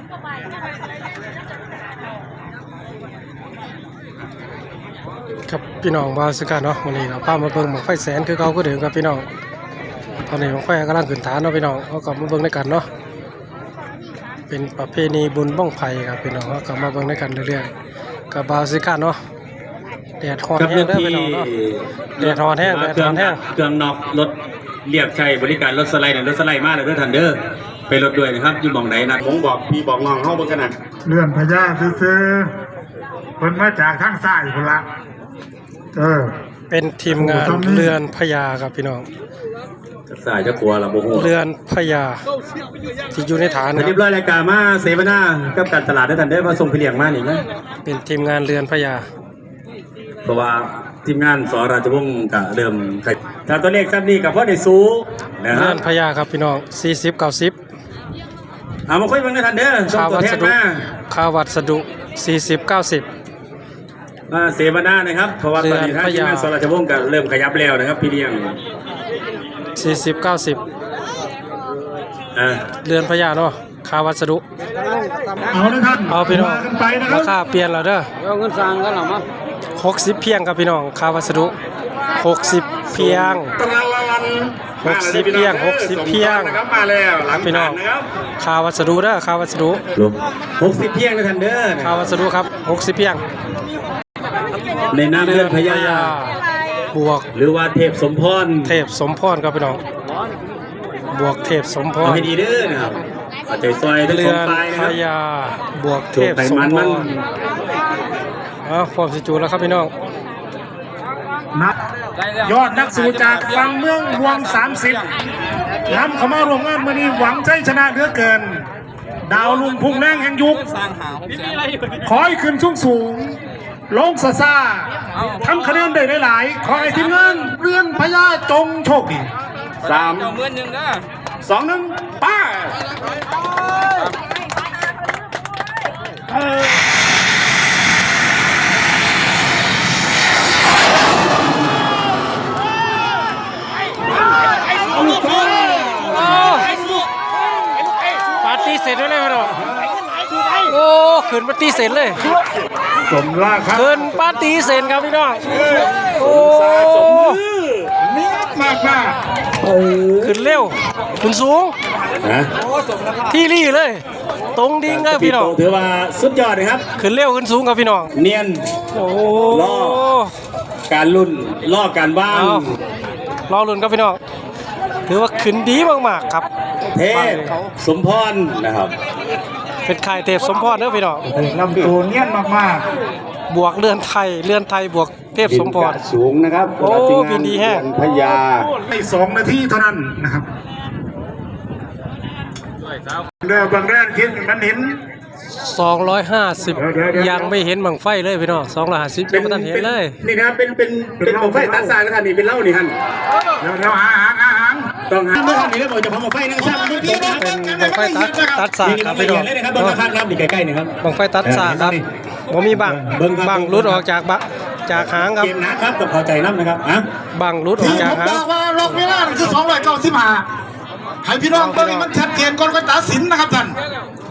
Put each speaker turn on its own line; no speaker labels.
ครับพี่น้องบาสกันเนาะวันนี้เราป้ามาเบิ่งบั้งไฟแสนคือเขาก็เดิมครับพี่น้องตอนนี้บั้งไฟกำลังขึ้นฐานเนาะพี่น้องเขาก็มาเบิ่งด้วยกันเนาะเป็นประเพณีบุญบ้องไผ่ครับพี่น้องเขาก็มาเบิ่งด้วยกันเรื่อยๆกับบาสกันเนาะแดดร้อนแห้งเด้อพี่น้องเนาะแดดร้อนแห้งแดดร้อนแห้ง
เครื่องนอกรถเรียกใช้บริการรถสไลด์รถสไลด์มาเลยเด้อทันเด้อไปรถด้วยนะครับอยู่บ่องไหนนะผมบอกพี่บอกน้องเข้าเบิ่งกันนะ
เลื่อนพญาซื้อเพิ่นมาจากทางซ้ายพุ่นละ
เป็นทีมงานเรือนพญาครับพี่น้อง
สายจะกลัวละโมโห
เรือนพญาที่อยู่ในฐาน
เรียบร้อยรายการมาเสวนากับการตลาดได้ทันได้มาส่งพี่เลี้ยงมาหนิไหม
เป็นทีมงานเรือนพญา
เพราะว่าทีมงานสราชวงศ์กับเริ่มถ้าตัวเลขซ้ำนี่กับพ่อในซู
เรือนพญาครับพี่น้อง40-90
เอามาคุยกันได้ทันเด้อ
ค่าวัสดุ40-90
เสวนานะครับเพราะว่าตอนนี้ทางทีมงานสราชวงศ์ก็เริ่มขยับแล้วนะครับพี่เลี้ยง
40-90เรือนพญาเนาะค่าวัสดุ
เอาเลยท่าน
เอาพี่น้องราคาเปลี่ยนแล้วเด้อ
เอาเงินสร้างกันหรอมั้ง
60เพียงครับพี่น้องค่าวัสดุ60เพียง60เพียง
นะครับมาแล้วหลัง
พี่น้องค่าวัสดุเด้อค่าวัสดุ
60เพียงนะท่านเด้อ
ค่าวัสดุครับ60เพียง
ในนามเรือนพญา
บวก
หรือว่าเทพสมพร
ครับพี่น้องบวกเทพสมพร
ให้ดีเด้อนะครับเอาใจซอย
เรือนพญาบวกเทพสมพรพร้อมสิจูแล้วครับพี่น้อง
ยอดนักสู้จากฝั่งเมืองรวง30นำเข้ามารวมงานมื้อนี้หวังใจชนะเหลือเกินดาวลุงพุ่งแรงแห่งยุคขอให้ขึ้นสูงลงซ่าทำคะแนนได้หลายขอให้ทีมงานเรือนพญาจงโชคดี
3 2 1ป้า
ปาร์ตี้เสร็จแล้วเลยพี่น้องโอ้ขึ้นปาร์ตี้เสร็จเลย
สมราคา
ขึ้นปาร์ตี้เสร็จครับพี่น้องโอ้
นี่มาก
ขึ้นเร็วขึ้นสูงที่รี่เลยตรงดิ่งครับพี่น้อง
ถือว่าสุดยอดเลยครับ
ขึ้นเร็วขึ้นสูงครับพี่น้อง
เนียน
โอ้
ล่อการลุ่นล่อการว่าง
รอลุ่นครับพี่น้องถือว่าขึ้นดีมากๆครับ
เทพสมพรนะครับ
เป็นค่ายเทพสมพรเด้อพี่น้อง
ลำตัวเนียนมาก
ๆบวกเรือนไทยบวกเทพสมพร
สูงนะครับ
โอ้บินดีแฮะ
พญา
ให้2 นาทีเท่านั้นนะครับเรือบางแรกคิดมันเห็น
250ยังไม่เห็นบังไฟเลยพี่น้อง250ยังไม่ทันเห็นเลย
นี่นะครับเป็นบังไฟตัดสายนะครับนี่เป็นเหล้านี่ท่าน
เดี๋ยวหาง
ต้องหาเมื่อท่านนี้แล้วบอกจะพาบังไฟนะครับ
เป็นบังไฟตัดสายครับพี่น้อง
เบิ้งข้างน้ำนี่ใกล้ๆนี่ครับ
บังไฟตัดสายครับผมมีบังรุดออกจากหางครับ
เกมนะครับกับพอใจน้ำนะครับ
บังรุดออกจากหาง
บอกว่าล็อกเวลาคือ295ให้พี่น้องเบิ้งมันชัดเจนก่อนก็ตัดสินนะครับท่าน